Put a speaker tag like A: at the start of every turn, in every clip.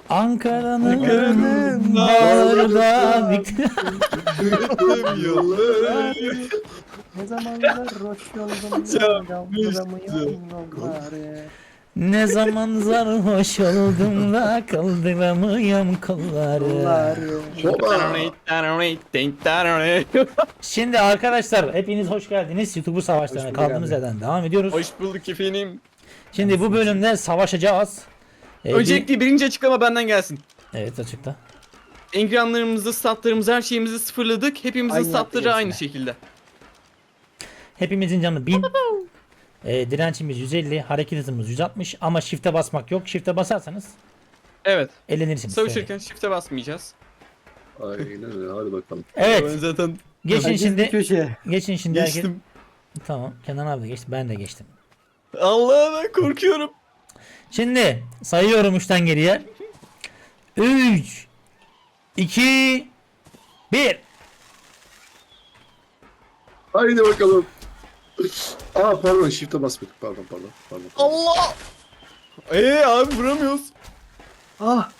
A: Ankara'nın bağrında
B: Tüm yolları.
C: Ne zamanlar hoş oldum
B: Can,
C: kaldıramıyorum yolları.
A: ne zaman sarhoş oldum da kaldıramıyorum kolları.
C: Yolları.
A: Şimdi arkadaşlar hepiniz hoş geldiniz. YouTuber savaşlarına
C: Hoş bulduk
A: kaldığımız
C: abi.
A: yerden devam ediyoruz.
B: Hoş bulduk efendim.
A: Şimdi bu bölümde savaşacağız.
B: Öncelikle birinci açıklama benden gelsin.
A: Evet, açıkta.
B: Ekranlarımızı, statlarımızı, her şeyimizi sıfırladık. Hepimizin
C: Aynı
B: statları
C: yaptı
B: aynı
C: hepsine.
B: şekilde.
A: Hepimizin canı 1000. Direncimiz 150, hareket hızımız 160 ama shift'e basmak yok. Shift'e basarsanız
B: Evet.
A: elenirsiniz.
B: Savaşırken shift'e basmayacağız.
D: Aynen öyle, hadi bakalım.
A: Evet.
B: Ben zaten
A: Geçin
C: Herkes bir
A: şimdi.
C: köşeye.
A: Geçin şimdi. herkes-
B: geçtim.
A: Tamam. Kenan abi de geçti. Ben de geçtim.
B: Allah'a ben korkuyorum.
A: Şimdi sayıyorum 3'ten geriye. 3 2 1.
D: Haydi bakalım. Aa pardon, shift'e basmadık. Pardon.
B: Allah! Abi vuramıyoruz.
C: Ah.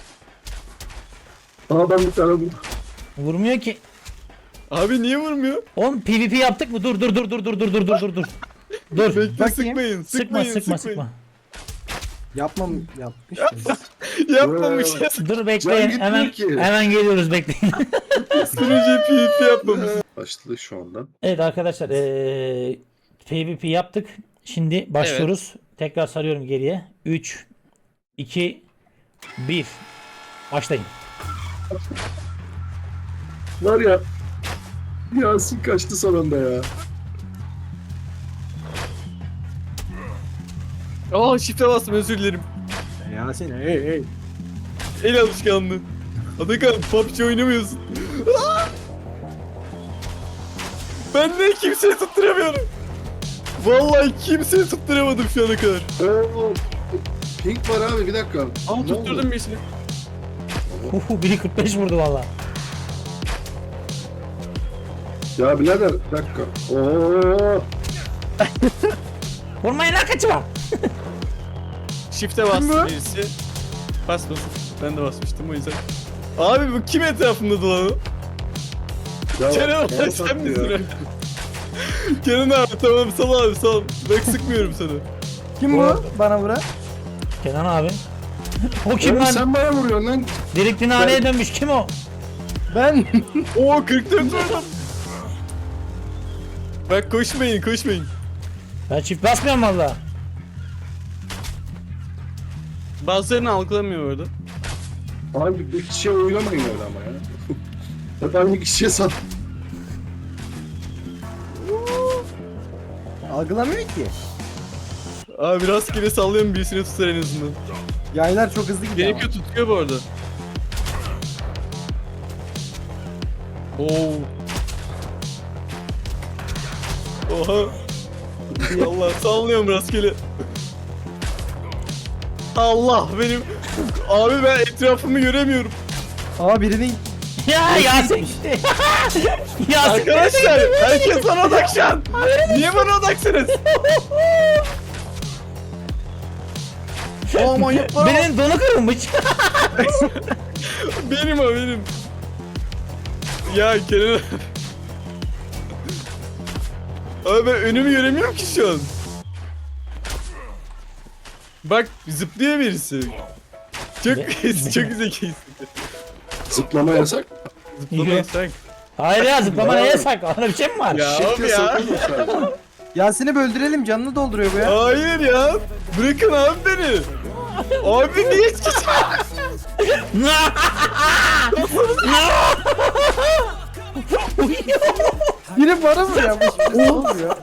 D: Aa ben bir tane buldum.
A: Vurmuyor ki.
B: Abi niye vurmuyor?
A: Oğlum PvP yaptık mı? Dur. Dur. Dur.
B: Bekle,
C: Bakayım.
B: sıkmayın.
A: Sıkma.
C: Yapmışız.
B: Yapmamışız.
A: Dur
D: Can
A: bekleyin.
D: gitmiyor
A: Hemen
D: ki.
A: hemen geliyoruz, bekleyin.
B: Sürücü PvP yapmamış.
D: Başladı şu anda.
A: Evet arkadaşlar, PvP yaptık. Şimdi başlıyoruz. Tekrar sarıyorum geriye. 3 2 1. Başlayın.
D: Var ya. Yasin kaçtı sonunda ya.
B: Aa shift'e bastım, özür dilerim.
C: Yasin hey.
B: El alışkanlığı. Atakan PUBG oynamıyorsun. Aa! Ben de kimseyi tutturamıyorum. Vallahi kimseyi tutturamadım şu ana kadar.
D: Oo. Pink var abi, bir dakika.
B: Aa
D: Ne
B: tutturdum
D: oldu?
B: birisini.
A: Biri 45 vurdu valla.
D: Ya birader bir dakika. Oo.
A: Vurmayın lan, kaçma.
B: Shift'e bastı birisi. Basmasın. Ben de basmıştım o yüzden. Abi bu kim etrafımda dolanıyor?
D: Ya,
B: Kenan abi
D: bana
B: sen
D: sattı
B: misin?
D: ya.
B: Kenan abi tamam sal abi sal. Bak sıkmıyorum sana.
C: Kim bu? Bana vuran.
A: Kenan abi. O kim
D: Oğlum
A: lan?
D: sen bana vuruyorsun lan.
A: Delikli haneye dönmüş. Kim o?
C: Ben.
B: Oo 44 vurdum. Bak koşmayın.
A: Ben çift basmıyorum valla.
B: Bazılarını algılamıyor orada.
D: Abi bir kişiye oynamayın öyle ama ya. Hep aynı kişiye sat.
C: Algılamıyor ki.
B: Abi rastgele sallıyorum, birisini tutar en azından.
C: Yaylar çok hızlı gidiyor.
B: Gerekiyor, tutuyor bu arada. Oo. Oha. Allah sallıyorum rastgele. Allah benim. Abi ben etrafımı göremiyorum.
C: Aa birinin
A: Ya Yasin. Yasin.
B: Arkadaşlar herkes bana odak şu an. Niye bana odaksınız? Aa manyaklar.
A: Benim donu kırılmış.
B: Benim o benim. Ya Kenan. Abi ben önümü göremiyorum ki şu an. Bak zıplıyor birisi. Çok çok zekisin.
D: Zıplama yasak.
B: Zıplamayı sen.
A: Hayır ya, zıplama neye yasak? Ona bir şey mi var?
B: Ya
D: Shift'e
B: abi ya.
D: sakın sadece.
C: Yasin'i böldürelim, canını dolduruyor bu ya.
B: Hayır ya. Bırakın abi beni. Abi niye hiç
C: Biri bana vuruyor. Bu ne oluyor?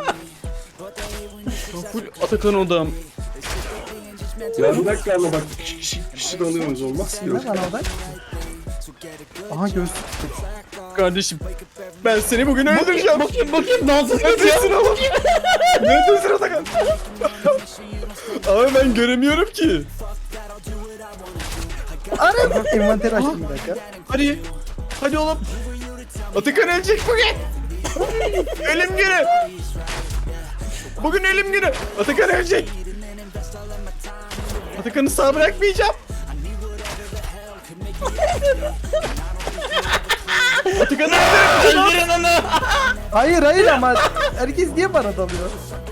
B: full Atakan odam.
D: Ya bir dakika ama bak kişi de alıyoruz, olmaz ki.
C: Ne bana odak? Aha gözlük.
B: Kardeşim ben seni bugün öldüreceğim.
A: Bakayım dansız
B: Neredesin oğlum? Neredesin Atakan? Abi ben göremiyorum ki.
C: Ara. Envanter açtım bir dakika.
B: Hadi oğlum. Atakan ölecek bugün. Ölüm günü. Bugün ölüm günü. Atakan ölecek. Atakan'ı sağ bırakmayacağım. Atakan abi.
A: Öldürün onu.
C: Hayır ama herkes niye bana dalıyor?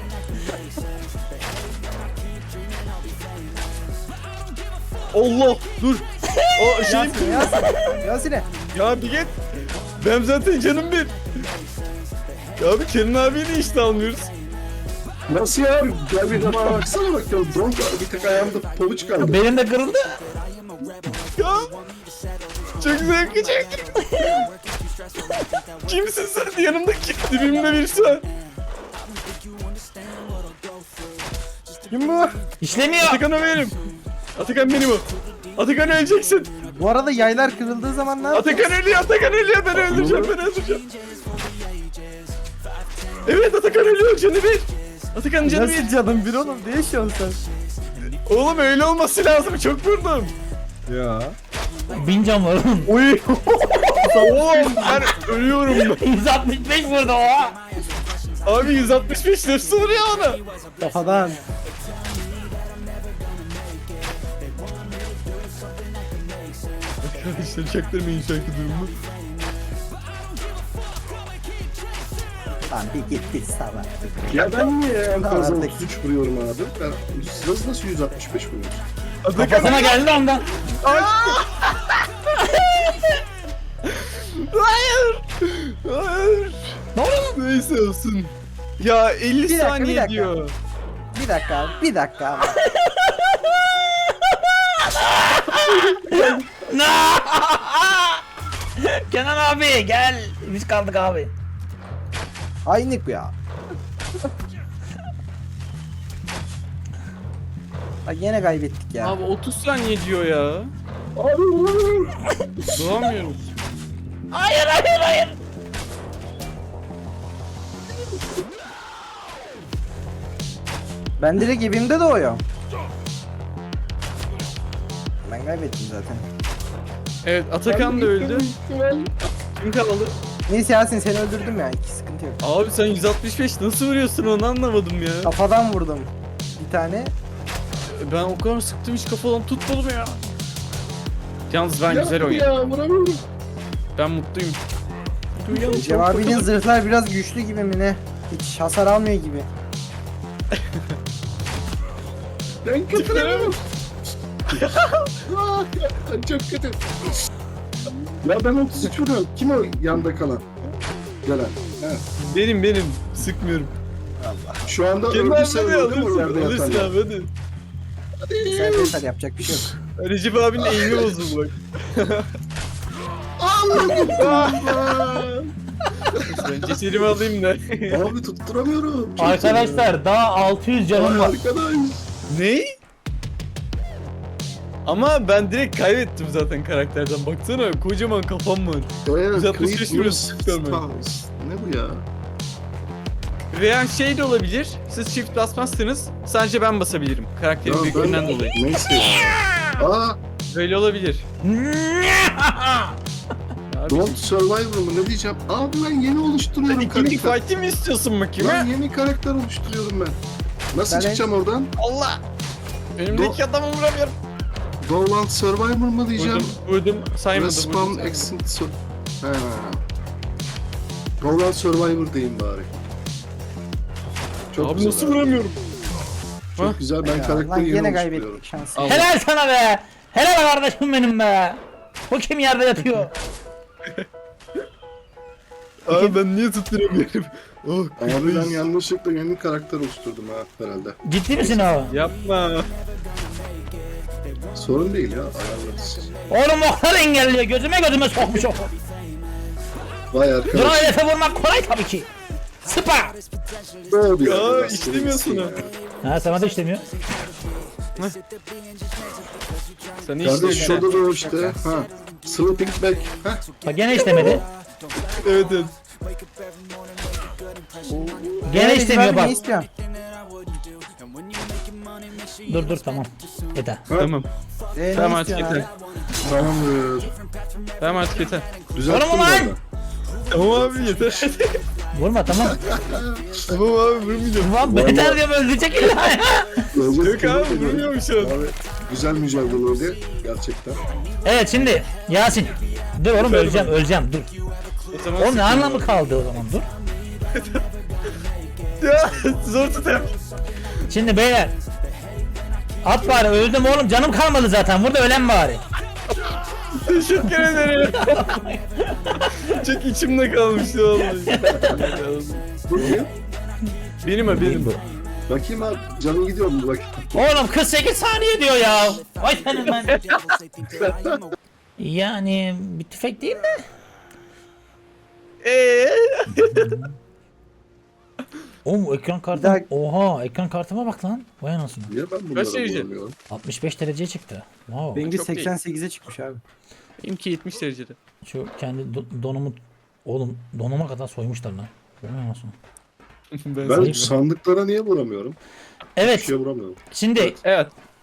B: Allah dur. O şeyim.
C: Yasin'e.
B: Ya bir git. Ben zaten canım bir. Ya bir Kenan abiyi de işte almıyoruz.
D: Nasıl ya? Gel bir bana baksana bak ya. Donk bir tek ayağımda pabuç kaldı.
A: Benim de kırıldı.
B: Ya. Çok zevkli çektim. Kimsin sen? Yanımdaki dibimde birisi var.
C: Kim bu?
A: İşlemiyor.
B: Atakan o benim. Atakan benim o. Atakan öleceksin.
C: Bu arada yaylar kırıldığı zaman ne yapacağız?
B: Atakan ölüyor, Atakan ölüyor. Ben öldüreceğim. Evet Atakan ölüyor, canı bir. Atakan canı bir.
C: Nasıl canım bir oğlum? Ne yaşıyorsun sen?
B: Oğlum öyle olması lazım, çok vurdum.
C: Ya.
A: 1000 can var oğlum.
C: Oy.
B: Oğlum ben ölüyorum ben.
A: 165 vurdu o.
B: Abi 165 nasıl vuruyor ona?
C: Kafadan.
B: Arkadaşlar çaktırmayın şu anki durumu.
C: Lan bir gitti sabah.
D: Ya ben niye en fazla
C: Artık.
D: 33 vuruyorum abi? Ben nasıl 165 vuruyorum?
B: Atakan
A: Kafasına geldi ondan.
B: hayır. Hayır.
A: Ne oluyor?
B: Neyse olsun. Ya 50
C: Bir dakika, bir
B: saniye
C: dakika.
B: diyor.
C: Bir dakika abi.
A: Kenan abi gel. Biz kaldık abi.
C: Aynık ya. Bak yine kaybettik ya.
B: Abi 30 saniye diyor ya.
D: Abi vuramıyorum.
B: Doğamıyorum.
A: Hayır.
C: Ben direkt evimde doğuyorum. Ben kaybettim zaten.
B: Evet Atakan da öldü. Kim kaldı?
C: Neyse Yasin seni öldürdüm ya. Hiç sıkıntı yok.
B: Abi sen 165 nasıl vuruyorsun onu anlamadım ya.
C: Kafadan vurdum. Bir tane.
B: Ben o kadar sıktım hiç kafadan tutmadım ya. Yalnız ben güzel
D: Ya
B: oynadım.
D: vuramıyorum.
B: Ben mutluyum.
C: Cevabinin zırhlar biraz güçlü gibi mi ne? Hiç hasar almıyor gibi.
D: Ben kötülerim. Çok kötü. Ya ben 33 vuruyorum. Kim o yanda kalan? Gelen. He.
B: Benim sıkmıyorum.
D: Şu anda
B: Kenan
D: öldüyse
B: abi
D: öldü mü o
B: alırsın,
D: yerde
B: alırsın
D: yatan?
B: abi hadi.
C: Sen yeter yapacak bir şey yok.
B: Recep abinin eğimi bozuldu bak. Ben cesedimi alayım da.
D: Abi tutturamıyorum. Çok
A: Arkadaşlar daha 600
D: seviyorum.
A: canım var.
D: Arkadaş.
B: Ne? Ama ben direkt kaybettim zaten karakterden. Baksana kocaman kafam var.
D: Evet,
B: 165
D: Creed
B: vuruyorsun,
D: Bruce
B: tutamıyorum.
D: Stars. Ne bu ya?
B: Veya şey de olabilir. Siz shift basmazsınız. Sadece ben basabilirim. Karakterin
D: Ya
B: büyüklüğünden dolayı.
D: Neyse ya. Aa,
B: Böyle olabilir. Abi,
D: Don't Survivor mu ne diyeceğim? Abi ben yeni
B: sen
D: oluşturuyorum
B: ikinci
D: karakter.
B: fight'i mi istiyorsun bakayım
D: Ben
B: ha?
D: yeni karakter oluşturuyorum ben. Nasıl
C: Ben
D: çıkacağım oradan?
B: Allah! Önümdeki adamı vuramıyorum.
D: Dolant Survivor mu diyeceğim?
B: Vurdum. Saymadım.
D: Respawn
B: vurdum.
D: Exit Sur... Ha. Dolant Survivor diyeyim bari. Çok
B: Abi
D: güzel
B: nasıl
D: abi.
B: vuramıyorum?
D: Çok
B: Ha?
D: güzel ben
C: Ya, lan
D: karakteri yeni
C: yine
D: oluşturuyorum.
C: kaybettik şansı.
B: Al.
A: Helal sana be. Helal kardeşim benim be. Bu kim yerde yatıyor?
B: Abi ben niye tutturamıyorum? Oh,
D: Abi ben yanlışlıkla yeni karakter oluşturdum ha herhalde.
A: Ciddi misin abi?
B: Yapma.
D: Sorun değil ya ayarlarız.
A: Oğlum okları engelliyor. Gözüme sokmuş o.
D: Vay arkadaş.
A: Drone hedefe vurmak kolay tabii ki. Sıpa.
D: Doğru bir
B: Ya,
D: arkadaş,
B: işlemiyorsun
D: ya.
A: Ha sana da işlemiyor.
B: Sen
D: Kardeş
B: işte.
D: şurada da o işte. Ha. Sleeping Bag. Ha.
A: Bak gene işlemedi.
B: Evet.
A: Gene işlemiyor bak.
C: Ne istiyorsun?
A: Dur tamam. Yeter.
B: Tamam.
C: Ne
B: Tamam artık
C: istiyorsun
B: yeter.
C: abi?
D: Tamamdır.
B: Tamam artık yeter.
D: Düzelttim
A: Oğlum ulan!
D: orada.
B: Tamam abi yeter.
A: Vurma tamam.
B: Tamam abi vurmayacağım.
A: Ulan beter diyorum öldürecek illa ya.
B: Yok abi vurmuyorum şu an.
D: Abi güzel mücadeleydi gerçekten.
A: Evet şimdi Yasin. Dur oğlum öleceğim dur.
B: O zaman
A: Oğlum ne anlamı kaldı o zaman dur.
B: Ya zor tutar.
A: Şimdi beyler. At bari öldüm oğlum canım kalmadı zaten burada ölen bari.
B: Teşekkür ederim. Çok içimde kalmıştı vallahi.
D: Bu kim?
B: Benim bu.
D: Bakayım abi canım gidiyor mu bak.
A: Oğlum 48 saniye diyor ya. Vay senin ben. Yani bir tüfek değil mi? Oğlum ekran kartı.
C: daha-
A: Oha ekran kartıma bak lan. Vay anasını.
D: Niye ben bunları
B: derece?
D: bulamıyorum?
A: 65 dereceye çıktı. Wow.
C: Benimki
B: Çok değil.
C: 88'e çıkmış abi.
B: Benimki 70 derecede.
A: Şu kendi donumu oğlum donuma kadar soymuşlar lan. Vay anasını.
D: Ben
B: Ben
D: sandıklara niye vuramıyorum? Bir
A: Evet
D: şeye vuramıyorum.
A: şimdi
B: Evet.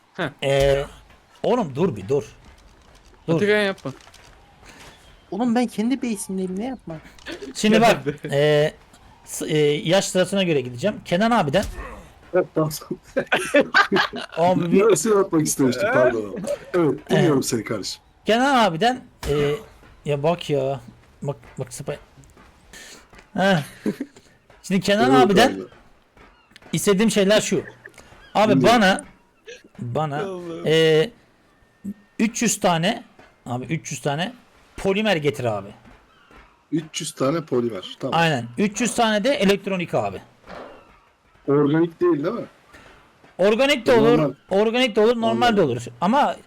A: oğlum dur bir dur. Dur.
B: Atakan yapma.
C: Oğlum ben kendi base'imdeyim ne yapma.
A: Şimdi bak yaş sırasına göre gideceğim. Kenan abiden
D: Evet tamam.
A: abi bir
D: Neresi atmak istemiştim pardon. Evet dinliyorum seni kardeşim.
A: Kenan abiden ya bak ya. Bak spy. Heh. Şimdi Kenan
D: Evet
A: abiden
D: abi.
A: istediğim şeyler şu. Abi
D: Dinliyorum.
A: bana
B: Allah'ım.
A: 300 tane abi 300 tane polimer getir abi.
D: 300 tane polimer. Tamam.
A: Aynen. 300 tane de elektronik abi.
D: Organik değil mi?
A: Organik de olur,
D: Normal.
A: organik de olur, normal de
D: Anladım.
A: olur. Ama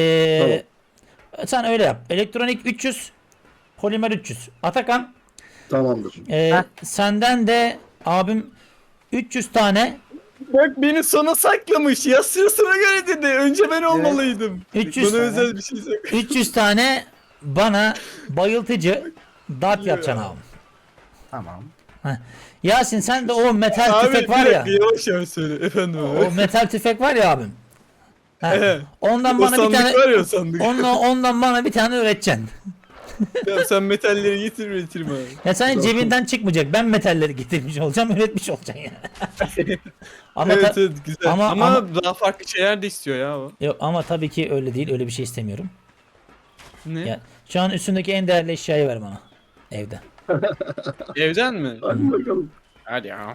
A: sen öyle yap. Elektronik 300, polimer 300. Atakan,
D: Tamamdır.
A: senden de abim 300 tane,
B: Bak beni sona saklamış. Ya sırasına göre dedi. Önce ben olmalıydım.
A: 300
B: Bana
A: tane.
B: özel bir şey sakla.
A: 300 tane bana bayıltıcı dart yapacaksın abi.
C: Tamam.
A: Yasin sen de o metal
B: Abi
A: tüfek
B: bir
A: var ya.
B: dakika yavaş yavaş söyle. Efendim abi.
A: O metal tüfek var ya abim. Ha,
B: Evet.
A: ondan
B: O
A: bana bir
B: sandık
A: tane
B: var ya o sandık.
A: ondan bana bir tane üreteceksin.
B: Ya sen metalleri getirme abi.
A: Ya senin cebinden çıkmayacak. Ben metalleri getirmiş olacağım, üretmiş olacaksın yani. Ama
B: Evet
A: ta-
B: evet güzel.
A: ama-
B: Ama daha farklı şeyler de istiyor ya o.
A: yok ama tabii ki öyle değil. Öyle bir şey istemiyorum.
B: Ne?
A: Ya, şu an üstündeki en değerli eşyayı ver bana. Evde.
B: Evden mi?
D: Hadi bakalım.
B: Hadi ya.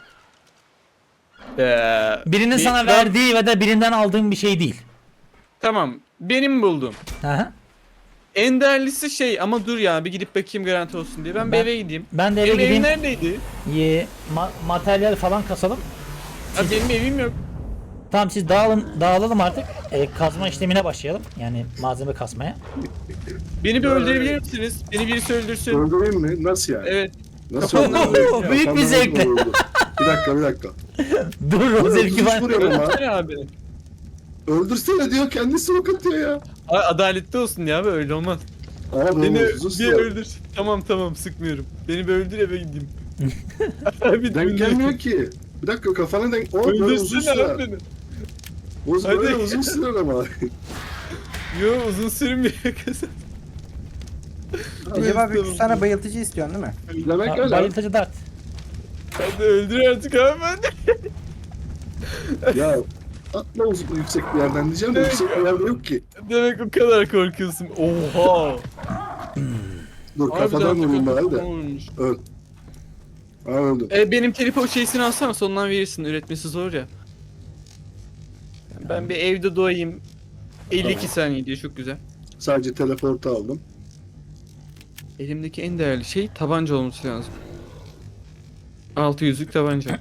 A: Birinin
B: Bir-
A: sana
B: ben-
A: verdiği ve de birinden aldığın bir şey değil.
B: Tamam. Benim buldum.
A: Aha.
B: En değerlisi şey ama dur ya bir gidip bakayım garanti olsun diye. Ben bir
A: Ben-
B: eve gideyim.
A: Ben de eve
B: Benim evim
A: gideyim.
B: neredeydi?
A: Materyal falan kasalım.
B: Ha, benim evim yok.
A: Tamam siz dağılalım artık. Kazma işlemine başlayalım. Yani malzeme kasmaya.
B: Beni bir öldürebilir misiniz? Beni birisi öldürsün.
D: Öldüreyim mi? Nasıl yani?
B: Evet.
D: Nasıl
B: Kafamdan
D: öldüreyim?
A: Büyük bir
D: Kafamdan
A: zevkle.
D: öldürüyorum. Bir dakika.
A: Dur o zevki var.
D: Vuruyorum ha.
B: Öldürsene abi.
D: Öldürsene diyor kendisi ok atıyor ya.
B: Adaletli olsun ya abi öyle olmaz.
D: Ama
B: Beni
D: benim uzun
B: bir
D: süre.
B: öldür. Tamam sıkmıyorum. Beni bir öldür eve gideyim. Abi
D: Denk gelmiyor ki. Bir dakika kafana denk. O böyle uzun
B: Öldürsene
D: sürer.
B: abi beni.
D: Böyle
B: Hadi.
D: uzun sürer ama.
B: Yo uzun sürmüyor kızım.
C: Recep abi
B: tamam.
C: 300 tane bayıltıcı istiyorsun değil mi?
D: Demek öyle.
A: Bayıltıcı dart.
B: Hadi öldür artık abi ben.
D: Ya atla uzun yüksek bir yerden diyeceğim de yüksek bir yerde yok ki.
B: Demek o kadar korkuyorsun. Oha.
D: Dur kafadan vurayım bari de.
B: Olmuş.
D: Öl. Ha öldüm.
B: Benim teleport şeysini alsana sonundan verirsin. Üretmesi zor ya. Ben bir evde doğayım. 52
D: Tamam.
B: saniye diye çok güzel.
D: Sadece teleportu aldım.
B: Elimdeki en değerli şey tabanca olması lazım. 600'lük tabanca.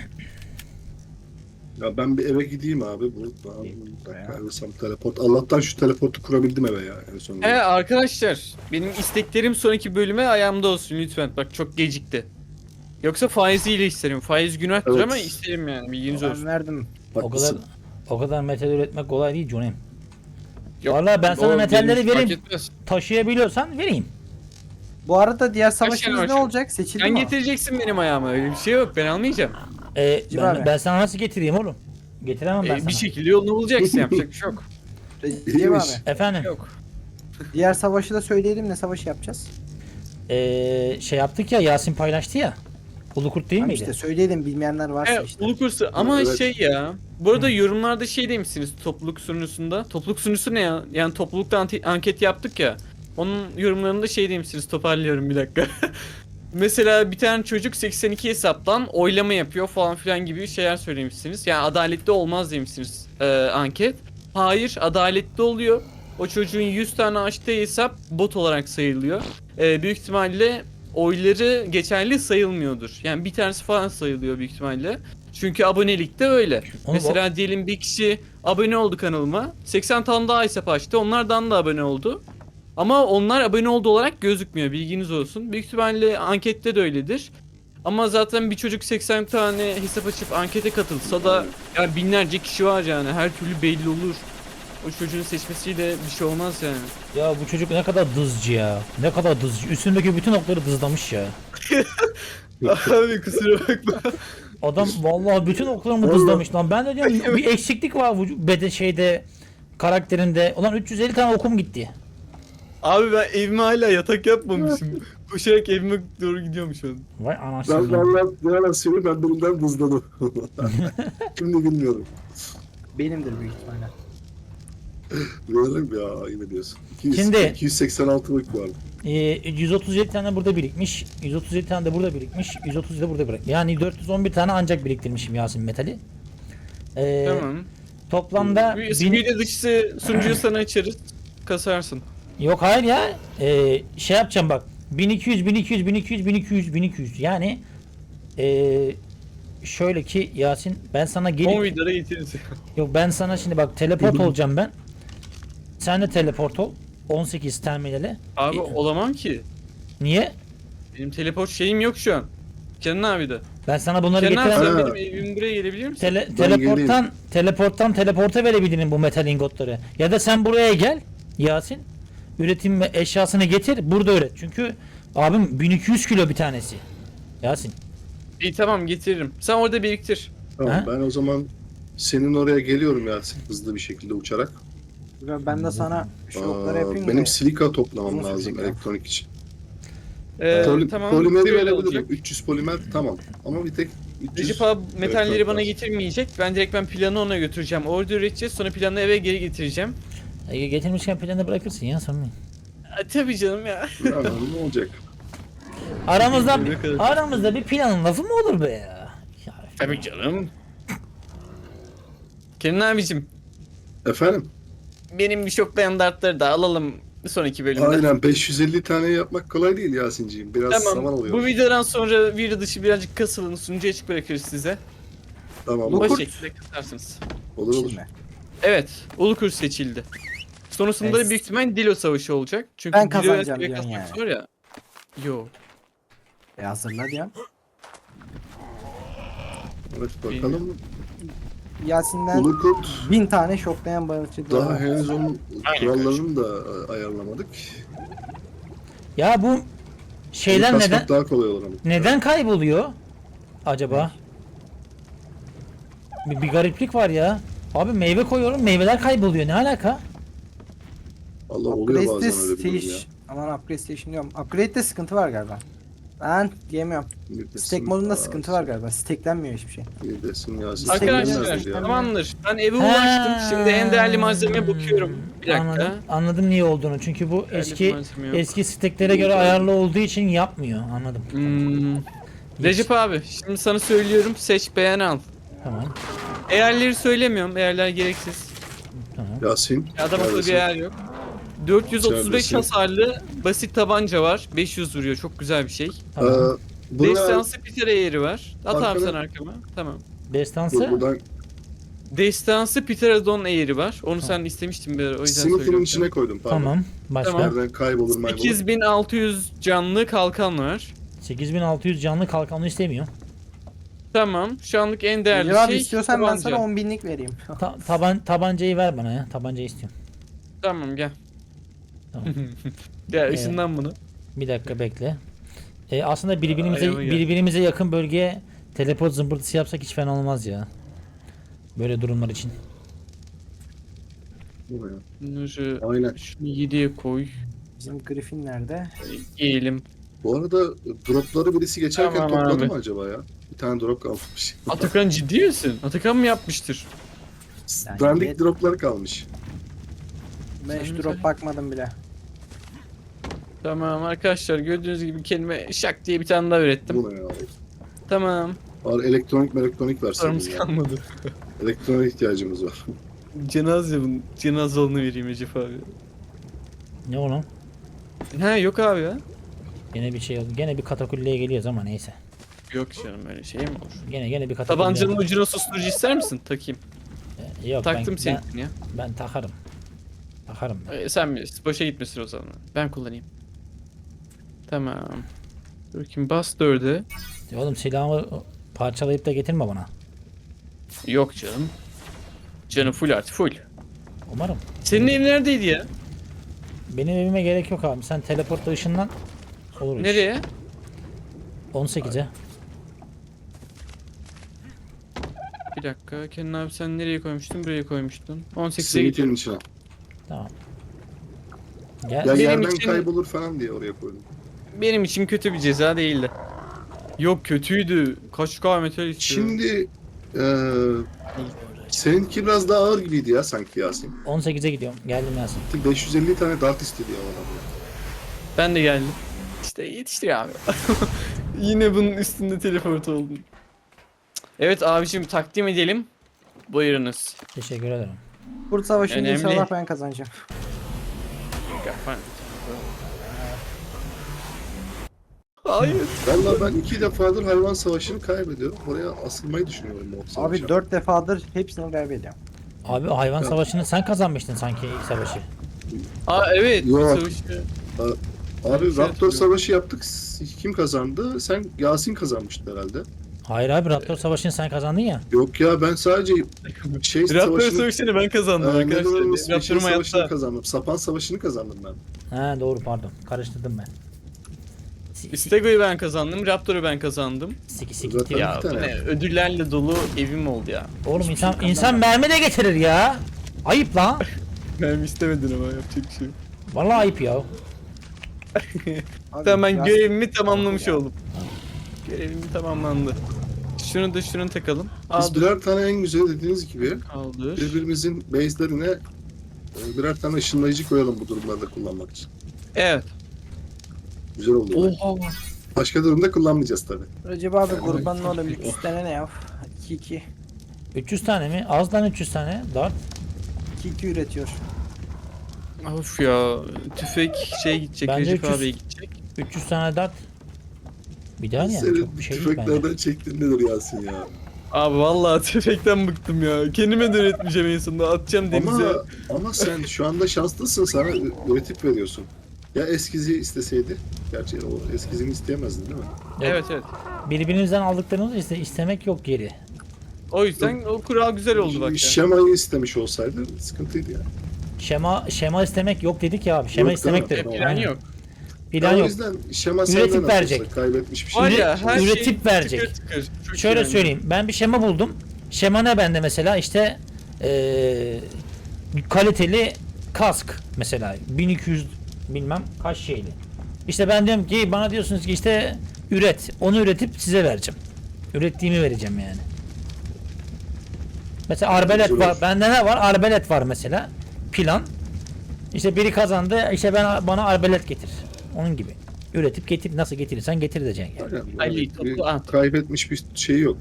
D: Ya ben bir eve gideyim abi. Bir dakika alırsam teleport. Allah'tan şu teleportu kurabildim eve ya en sonunda.
B: Arkadaşlar benim isteklerim sonraki bölüme ayağımda olsun lütfen. Bak çok gecikti. Yoksa faiziyle isterim. Faiz günahtır
D: Evet.
B: ama isterim yani bilginiz olsun.
C: Ben verdim.
D: Haklısın.
A: O kadar metal üretmek kolay değil Johnny.
B: Yok,
A: Vallahi ben sana
B: o
A: metalleri
B: benim fark
A: vereyim.
B: etmez.
A: Taşıyabiliyorsan vereyim.
C: Bu arada diğer
B: tane
C: savaşımız
B: var
C: ne
B: şimdi?
C: olacak? Seçildi
B: Sen
C: mi?
B: getireceksin benim ayağıma öyle bir şey yok ben almayacağım.
C: abi.
A: Ben sana nasıl getireyim oğlum? Getiremem ben sana.
B: Bir şekilde yolunu bulacaksın yapacak bir şey yok.
C: Recep
D: İyiymiş.
C: abi.
A: Efendim.
B: Yok.
C: Diğer savaşı da söyleyelim ne savaşı yapacağız?
A: Şey yaptık ya Yasin paylaştı ya. Ulu kurt değil
C: Tamam
A: miydi?
C: işte söyleyelim bilmeyenler varsa
B: Evet,
C: işte.
B: ulu kursu ama
D: Evet.
B: şey ya. Bu arada yorumlarda şey demişsiniz topluluk sunucusunda. Topluluk sunucusu ne ya? Yani toplulukta anket yaptık ya. Onun yorumlarında şey demişsiniz, toparlıyorum bir dakika. Mesela bir tane çocuk 82 hesaptan oylama yapıyor falan filan gibi şeyler söylemişsiniz. Yani adaletli olmaz demişsiniz anket. Hayır, adaletli oluyor. O çocuğun 100 tane açtığı hesap bot olarak sayılıyor. Büyük ihtimalle oyları geçerli sayılmıyordur. Yani bir tanesi falan sayılıyor büyük ihtimalle. Çünkü abonelikte öyle.
A: Oğlum,
B: Mesela diyelim bir kişi abone oldu kanalıma. 80 tane daha hesap açtı. Onlardan da abone oldu. Ama onlar abone oldu olarak gözükmüyor. Bilginiz olsun. Büyük ihtimalle ankette de öyledir. Ama zaten bir çocuk 80 tane hesap açıp ankete katılsa da yani binlerce kişi var yani. Her türlü belli olur. O çocuğun seçmesiyle bir şey olmaz yani.
A: Ya bu çocuk ne kadar dızcı ya. Ne kadar dızcı. Üstündeki bütün okları dızlamış ya.
B: Abi kusura bakma.
A: Adam vallahi bütün oklarımı
D: Vallahi.
A: dızlamış lan. Ben de diyorum bir eksiklik var bede şeyde karakterinde. Ulan 350 tane okum gitti.
B: Abi ben evime hala yatak yapmamışım. Koşarak evime doğru gidiyorum şu an.
A: Vay
D: Ben
A: anasını.
D: valla ne yalan söyleyeyim ben birinden buzladım. Şimdi bilmiyorum.
C: Benimdir büyük ihtimalle.
D: Bilelim ya yine diyorsun.
A: Şimdi-
D: 286'lık var.
A: 137 tane burada birikmiş. 137 tane de burada birikmiş. 130 da burada bırak. Yani 411 tane ancak biriktirmişim Yasin metali.
B: Tamam.
A: Toplamda
B: Video dışısı sunucuyu sana açarız. Kasarsın.
A: yok hayır ya. Şey yapacağım bak. 1200 1200 1200 1200 1200 yani şöyle ki Yasin ben sana
B: 10
A: gelip
B: videoda getiririz.
A: yok ben sana şimdi bak teleport olacağım ben. Sen de teleport ol. 18 terminale.
B: Abi olamam ki.
A: Niye?
B: Benim teleport şeyim yok şu an. Kenan abi de.
A: Ben sana bunları
B: Kenan abi
A: getiremem.
B: sen
D: Ha.
B: benim evim buraya gelebilir misin?
A: Teleporttan teleporta verebilirim bu metal ingotları. Ya da sen buraya gel Yasin. Üretim ve eşyasını getir burada üret. Çünkü abim 1200 kilo bir tanesi. Yasin.
B: İyi tamam getiririm. Sen orada biriktir.
D: Tamam
A: Ha?
D: ben o zaman senin oraya geliyorum ya hızlı bir şekilde uçarak.
C: Ben de sana şu okları yapayım
D: Benim
C: da.
D: silika toplamam
C: Nasıl
D: lazım
C: silika?
D: elektronik için.
B: Tamam.
D: Polimeri
B: şöyle
D: verebilirim.
B: olacak.
D: 300 polimer tamam. Ama bir tek 300
B: Recep abi metalleri
D: elektrik
B: bana
D: var.
B: getirmeyecek. Ben planı ona götüreceğim. Orada üreteceğiz. Sonra planı eve geri getireceğim.
A: Getirmişken planı bırakırsın ya sorun değil.
B: Tabii canım ya.
D: Ya, ne olacak?
A: Aramızda
B: Ne kadar-
A: aramızda bir planın lafı mı olur be ya? Ya,
B: Tabii canım. Kenan abicim.
D: Efendim?
B: Benim bir şoklayan dartları da alalım bir sonraki bölümde.
D: Aynen 550 tane yapmak kolay değil Yasin'ciğim. Biraz zaman
B: Tamam.
D: alıyor.
B: Bu videodan sonra video dışı birazcık kasılın. Sunucuya açık bırakırız size.
D: Tamam.
B: O
C: Kurt.
B: şekilde kasarsınız.
D: Olur olur.
C: Şimdi.
B: Evet. Ulukurt seçildi. Sonrasında
C: Evet.
B: da büyük ihtimal Dilo Savaşı olacak. Çünkü
C: Ben
B: Dilo'ya
C: kazanacağım
B: süre
C: diyorsun
B: kasmak
C: yani.
B: var ya. Yo.
C: Hazırla diyorum.
D: Evet bakalım.
C: Yasin'den
D: Ulukurt
C: 1000 tane şoklayan balıkçı
D: daha
C: daha.
D: henüz onun kurallarını da ayarlamadık.
A: ya bu şeyler
D: Onu kasmak
A: neden
D: daha kolay olur ama.
A: neden kayboluyor acaba? Bir gariplik var ya. Abi meyve koyuyorum meyveler kayboluyor. Ne alaka?
D: Allah oluyor
C: Upgrade
D: bazen öyle bir durum ya.
C: Station. Aman Upgrade Station diyorum. Upgrade'de sıkıntı var galiba. Ben diyemiyorum.
D: Yedesin
C: Stack modunda
D: ya,
C: sıkıntı var galiba. Stacklenmiyor hiçbir şey.
D: Yedesin ya.
C: Arkadaşlar,
B: Arkadaşlar
C: Teknoloji-
B: tamamdır. Ben eve ulaştım. Şimdi en değerli malzemeye bakıyorum. Bir dakika.
A: Anladım niye olduğunu. Çünkü bu
B: Değerli
A: eski
B: malzeme yok.
A: eski steklere göre ayarlı olduğu için yapmıyor. Anladım.
B: Recep abi şimdi sana söylüyorum seç beğen al.
A: Tamam.
B: Eğerleri söylemiyorum. Eğerler gereksiz.
A: Tamam.
D: Yasin.
B: Adam akıllı bir
D: neredesin?
B: eğer yok. 435
D: Neredesin?
B: hasarlı basit tabanca var. 500 vuruyor. Çok güzel bir şey.
A: Tamam.
D: Buraya,
B: Destansı Peter eğeri var. At abi
D: Arkana-
B: sen arkama. Tamam.
A: Destansı.
D: buradan
B: Destansı Pterodon eğeri var. Onu sen istemiştin bir ara, o yüzden
D: Simit'in
B: söylüyorum.
D: içine koydum pardon.
A: Tamam. Başka.
B: Tamam.
D: Nereden kaybolur maybolur.
B: 8600 canlı kalkan var.
A: 8600 canlı kalkanlı istemiyor.
B: Tamam. Şu anlık en değerli
C: Cevap
B: şey
C: istiyorsan ben
B: tabanca.
C: sana 10.000'lik vereyim.
A: Tabancayı ver bana ya. Tabancayı istiyorum.
B: Tamam gel.
A: Tamam.
B: Ya ışından bunu.
A: Bir dakika bekle. Aslında
B: Ayağıma gel.
A: birbirimize yakın bölgeye teleport zımbırtısı yapsak hiç fena olmaz ya. Böyle durumlar için.
B: Bunları
D: Aynen.
B: şunu 7'ye koy.
C: Bizim Griffin nerede?
B: Giyelim.
D: Bu arada dropları birisi geçerken
B: Tamam
D: topladı
B: abi.
D: mı acaba ya? Bir tane drop kalmış.
B: Atakan ciddi misin? Atakan mı yapmıştır?
D: Dandik
C: yet-
D: droplar kalmış.
C: Ben hiç drop bakmadım bile.
B: Tamam arkadaşlar, gördüğünüz gibi kelime şak diye bir tane daha ürettim.
D: Bu ne ya?
B: Tamam.
D: Var elektronik versin.
B: Sorumuz
D: ya.
B: kalmadı.
D: Elektronik ihtiyacımız var.
B: Cenaze olanı vereyim Ecef abi.
A: Ne o lan?
B: Ha yok abi ya.
A: Gene bir şey oldu. Gene bir katakulleye geliyoruz ama neyse.
B: Yok canım, öyle şey mi olur?
A: Gene bir katakulleye.
B: Tabancanın ucuna susturucu ister misin? Takayım.
A: Yok
B: Taktım
A: ben,
B: seninkini ya.
A: ben takarım. Takarım ben.
B: Sen bilirsin. Boşa gitmesin o zaman. Ben kullanayım. Tamam. Dur bakayım, bas 4'e.
A: Oğlum silahımı parçalayıp da getirme bana.
B: Yok canım. Canı full artı full.
A: Umarım.
B: Senin ev neredeydi ya?
A: Benim evime gerek yok abi. Sen teleportla ışınlan. Olur iş.
B: Nereye?
A: 18'e.
B: Bir dakika. Kenan abi sen nereye koymuştun? Buraya koymuştun. 18'e
D: Simitin
B: gidiyorum.
D: içine.
A: Tamam.
D: Ya
A: Gel.
D: yerden
B: için-
D: kaybolur falan diye oraya koydum.
B: Benim için kötü bir ceza değildi. Yok, kötüydü. Kaç K metal istiyor.
D: Şimdi seninki biraz daha ağır gibiydi ya sanki Yasin.
A: 18'e gidiyorum. Geldim Yasin.
D: 550 tane dart istedi ya adam ya.
B: Ben de geldim. İşte yetişti abi. Yine bunun üstünde teleport oldum. Evet abicim, takdim edelim. Buyurunuz.
A: Teşekkür ederim.
C: Kurt Savaşı'nda
B: Önemli.
C: inşallah ben kazanacağım.
B: Hayır.
D: Valla ben 2 defadır hayvan savaşını kaybediyorum. Oraya asılmayı düşünüyorum o savaşa.
C: Abi 4 defadır hepsini kaybediyorum.
A: Abi hayvan
D: Evet.
A: savaşını sen kazanmıştın sanki ilk savaşı.
B: Aa evet.
D: Yok.
B: Savaşı.
D: Abi
B: Şey
D: Raptor
B: hatırlıyorum.
D: savaşı yaptık. Kim kazandı? Sen Yasin kazanmıştın herhalde.
A: Hayır abi Raptor savaşını sen kazandın ya.
D: Yok ya ben sadece şey
B: Raptor
D: savaşını...
B: savaşını ben kazandım arkadaşlar.
D: Şey
B: Raptor'um
D: savaşını
B: hayatta.
D: kazandım. Sapan savaşını kazandım ben.
A: Ha doğru pardon. Karıştırdım ben.
B: Stego'yu ben kazandım. Raptor'u ben kazandım.
A: Siki
D: Zaten-
A: siki.
B: Ya
D: bir
B: bu
D: tane.
B: ne? Ödüllerle dolu evim oldu ya.
A: Oğlum insan mermi de getirir ya. Ayıp lan.
B: Ben istemedin ama yapacak bir şey yok.
A: Vallahi ayıp ya.
C: Abi,
B: Tamam, ben
C: biraz-
B: görevimi tamamlamış oldum. Görevim tamamlandı. Şunu da şunu takalım.
D: Biz
B: Aldım.
D: birer tane en güzel dediğiniz gibi
B: Kaldır.
D: birbirimizin base'lerine birer tane ışınlayıcı koyalım bu durumlarda kullanmak için.
B: Evet.
D: Güzel oldu.
B: Oha.
D: Başka durumda kullanmayacağız tabi.
C: Recep abi kurbanın oğlum 3 tane ne yap? 2-2.
A: 300 tane mi? Az lan 300 tane. Dart.
C: 2-2 üretiyor.
B: Of ya. Tüfek şey gidecek.
A: Bence
B: Recep
A: 300.
B: abiye gidecek.
A: 300 tane dart. Bir daha yani
D: Senin
A: çok bir şey değil bence.
D: tüfeklerden çektin nedir Yasin ya?
B: Abi vallahi tüfekten bıktım ya. Kendime de üretmeyeceğim en sonunda. Atacağım denize.
D: Ama sen şu anda şanslısın, sana üretip veriyorsun. Ya eskizi isteseydi. Gerçi o eskizini isteyemezdin değil mi?
B: Evet evet.
A: Birbirimizden aldıklarımızı istemek yok geri.
B: O yüzden o kural güzel oldu bak ya.
D: Şemayı istemiş olsaydı sıkıntıydı yani.
A: Şema istemek yok dedik ya abi. Şema
D: Yok,
A: istemek
D: değil
A: de.
D: mi?
B: Plan
A: Aynen.
B: yok.
A: Plan
D: O
A: yok.
D: yüzden şema
A: Üretip
D: senden
A: verecek.
D: atılsa kaybetmiş bir şey.
B: Var
D: yok.
B: ya her
A: Üretip
B: şey
A: verecek.
B: tıkır tıkır. Çok
A: Şöyle
B: iyi
A: söyleyeyim. Ben bir şema buldum. Şema ne bende mesela? İşte kaliteli kask mesela 1200 bilmem kaç şeyli. İşte ben diyorum ki bana diyorsunuz ki işte üret. Onu üretip size vereceğim. Ürettiğimi vereceğim yani. Mesela arbelet
D: Güzel
A: var.
D: olur.
A: Bende ne var? Arbelet var mesela. Plan. İşte biri kazandı. İşte bana arbelet getir. Onun gibi. Üretip getir. Nasıl getirirsen getir diyeceksin yani.
D: Aynen,
B: Ali,
D: yani
B: toplu
D: bir
B: at.
D: kaybetmiş bir şey yok.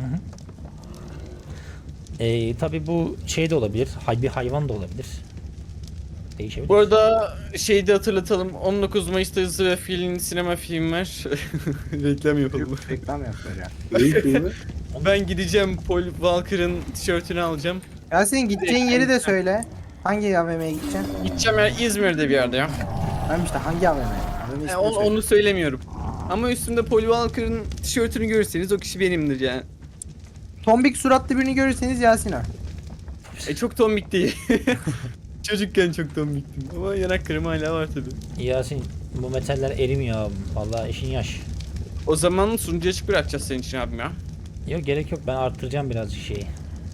A: Tabii bu şey de olabilir. Bir hayvan da olabilir. Değişebilir.
B: Bu arada şeyi de hatırlatalım. 19 Mayıs'ta Hızlı ve Fil'in sinema filmi var. Reklam yapalım.
C: Reklam yapıyor ya.
D: Neyin filmi?
B: Ben gideceğim, Paul Walker'ın tişörtünü alacağım.
C: Ya senin gideceğin yeri de söyle. Hangi AVM'ye gideceksin?
B: Gideceğim ya, İzmir'de bir yerde ya.
C: Ben işte hangi AVM? AVM ismini
B: Onu,
C: söyle.
B: onu söylemiyorum. Ama üstümde Paul Walker'ın tişörtünü görürseniz o kişi benimdir yani.
C: Tombik suratlı birini görürseniz Yasin o.
B: Çok tombik değil. Çocukken çok tombiktim ama yanaklarım hala var tabi.
A: Yasin bu metaller erimiyor abim. Vallahi işin yaş.
B: O zaman sunucu açık bırakacağız senin için abim ya.
A: Yok gerek yok. Ben arttıracağım birazcık şeyi.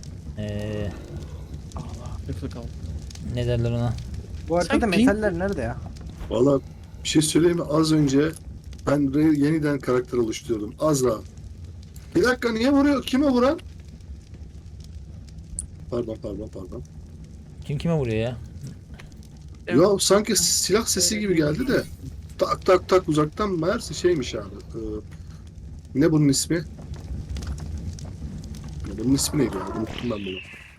B: Yakılı kaldı.
A: Ne derler ona?
C: Bu arkada
B: Sen
C: metaller nerede ya?
D: Valla bir şey söyleyeyim mi? Az önce Ben yeniden karakter oluşturuyordum. Azra. Bir dakika niye vuruyor? Kime vuran? Pardon.
A: Kim kime vuruyor ya?
B: Evet.
D: Ya sanki silah sesi gibi geldi de. Tak tak tak uzaktan meğerse şeymiş abi. Ne bunun ismi? Ya bunun ismi neydi ya? Unuttum ben bunu.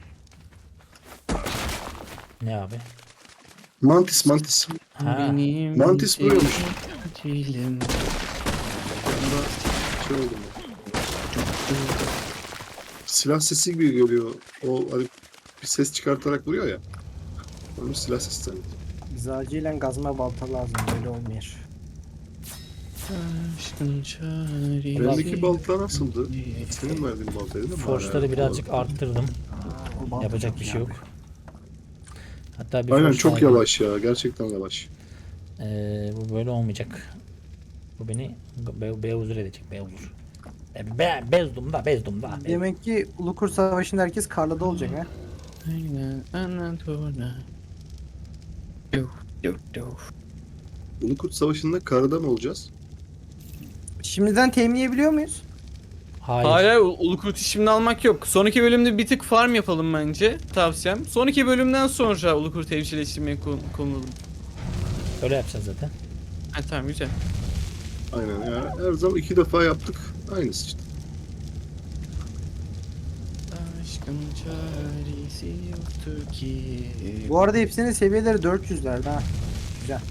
A: Ne abi?
D: Mantis.
A: Ha.
B: Benim
D: Mantis vuruyormuş.
B: sevgilim.
D: Şey oldu mu? Silah sesi gibi geliyor. O hani bir ses çıkartarak vuruyor ya. Onun silah sesi sanki.
C: Biz acilen gazma balta lazım. Böyle olmuyor.
B: Aşkın çaresi.
D: Bendeki balta nasıldı? Senin verdiğin baltaydı değil mi?
A: Force'ları birazcık arttırdım.
C: O balta
A: Yapacak
C: çok
A: bir şey
C: iyi
A: yok.
C: abi.
A: Hatta bir
D: Aynen
A: force
D: çok
A: aldım.
D: yavaş ya. Gerçekten yavaş.
A: Bu böyle olmayacak. Bu beni beuzur edecek. Beuzur. Bezdum da.
C: Demek ki Ulukur Savaşı'nda herkes Karla'da olacak ha.
B: Aynen Anadolu'da. Yok.
D: Ulukurt Savaşı'nda karada mı olacağız?
C: Şimdiden teminleyebiliyor muyuz?
A: Hayır.
B: Hayır, Ulukurt şimdi almak yok. Sonraki bölümde bir tık farm yapalım bence. Tavsiyem. Sonraki bölümden sonra Ulukurt evcilleştirmeye konulalım.
A: Öyle yapacağız zaten.
B: Ha tamam güzel.
D: Aynen ya. Her zaman 2 defa yaptık. Aynısı işte.
B: Aşkın çaresi yoktur ki.
C: Bu arada hepsinin seviyeleri 400'lerde ha. Güzel.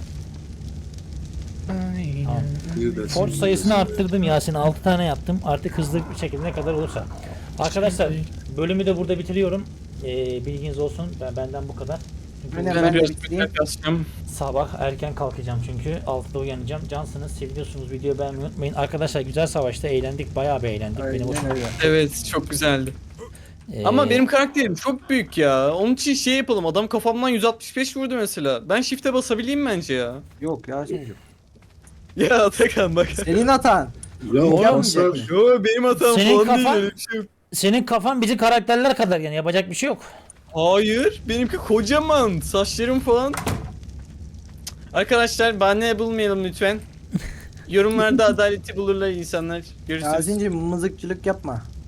B: Aynen.
A: Tamam.
D: Bir de
A: Force sayısını arttırdım Yasin. 6 tane yaptım. Artık hızlı bir şekilde ne kadar olursa. Arkadaşlar bölümü de burada bitiriyorum. Bilginiz olsun. Benden bu kadar. Çünkü
C: Aynen.
B: Ben
C: Ben de
B: biraz
C: bitireyim.
B: tekrar kasacağım.
A: sabah erken kalkacağım çünkü 6'da uyanacağım. Cansınız, seviyorsunuz. Videoyu beğenmeyi unutmayın. Arkadaşlar güzel savaşta eğlendik. Bayağı bir eğlendik. Benim
C: Aynen
A: hoşuma.
C: öyle.
B: Evet çok güzeldi.
A: Ee,
B: Ama benim karakterim çok büyük ya. Onun için şey yapalım. Adam kafamdan 165 vurdu mesela. Ben shift'e basabileyim bence ya.
C: Yok ya Sincuğum.
B: Ya Atakan bak.
C: Senin hatan.
D: Ya
C: Oğlum,
D: Fransızlar
C: yapmayacak
B: Yo benim hatam
A: Senin
B: falan değil
A: kafan-
B: öyle bir şey yok.
A: senin kafan bizim karakterler kadar yani yapacak bir şey yok.
B: Hayır, benimki kocaman. Saçlarım falan. Arkadaşlar bahane bulmayalım lütfen. Yorumlarda adaleti bulurlar insanlar. Görüşürüz.
C: Yasin'cim mızıkçılık yapma.